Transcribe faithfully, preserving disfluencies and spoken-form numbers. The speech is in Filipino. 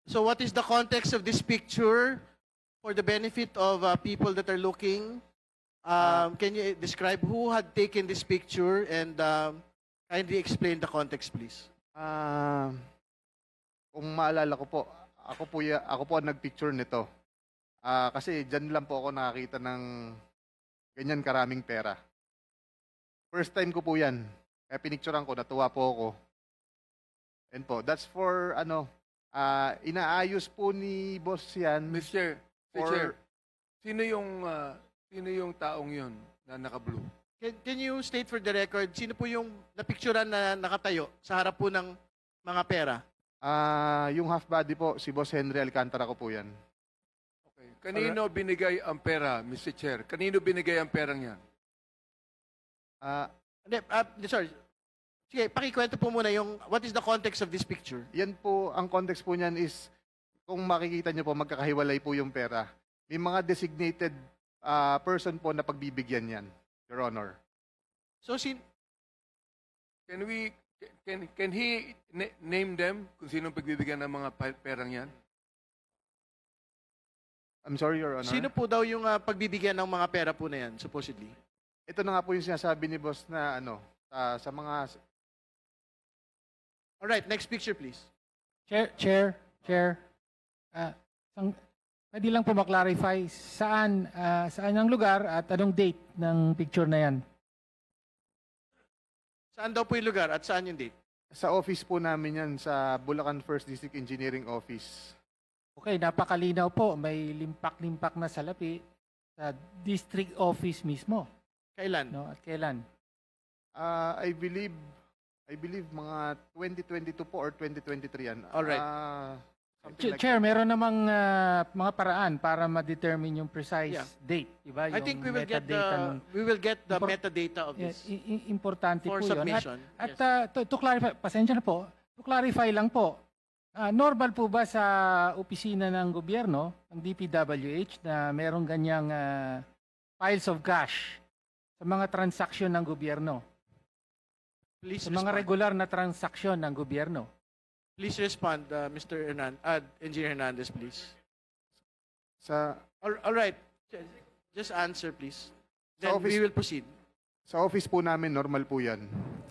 So what is the context of this picture for the benefit of uh, people that are looking? Um, can you describe who had taken this picture and um, kindly explain the context, please? Ah, kung maalala ko po, ako po, ya, ako po ang nagpicture nito. Ah, kasi dyan lang po ako nakakita ng ganyan karaming pera. First time ko po yan. Kaya pinicturean ko, natuwa po ako. And po, that's for ano, ah, inaayos po ni boss yan. Mister Mister Or- Chair, sino yung ah, sino yung taong yon na naka-blue? Can, can you state for the record, sino po yung napicturan na nakatayo sa harap po ng mga pera? Ah, yung half body po, si Boss Henry Alcantara ko po yan. Okay. Kanino binigay ang pera, Mister Chair? Kanino binigay ang perang yan? Ah, Hindi, ah, sorry. Sige, pakikwento po muna yung what is the context of this picture? yan po, ang context po niyan is, kung makikita niyo po, magkakahiwalay po yung pera. May mga designated ah, person po na pagbibigyan yan, Your Honor. So, sin Can we can can he na- name them kung sino pagbibigyan ng mga pa- perang yan? I'm sorry, Your Honor. sino po daw yung ah, pagbibigyan ng mga pera po na yan, supposedly? Ito na nga po yung sinasabi ni boss na ano, ah, sa mga Alright, next picture, please. Chair, Chair, Chair. Ah, sang, pwede lang po maklarify saan, ah, saan ang lugar at anong date ng picture na yan. Saan daw po yung lugar at saan yung date? sa office po namin yan, sa Bulacan First District Engineering Office. Okay, napakalinaw po. May limpak-limpak na salapi sa district office mismo. Kailan? No? At kailan? Ah, I believe, I believe mga twenty twenty-two po or twenty twenty-three yan. Alright. Ah, something Ch- like Chair, meron namang ah, mga paraan para ma-determine yung precise Yeah. date. Diba? I think we Yung will get the metadata nung- we will get the Impor- metadata of Yeah, this i- i- importante for po yun. At, submission. at Yes. ah, to, to clarify, pasensya na po, to clarify lang po, ah, normal po ba sa opisina ng gobyerno, ng D P W H, na merong ganyang ah, piles of cash sa mga transaksyon ng gobyerno? Please Sa mga respond. regular na transaksyon ng gobyerno? Please respond, uh, Mister Hernan uh, Engineer Hernandez, please. sa All, all right. Just answer, please. Sa Then office- we will proceed. sa office po namin normal po yan.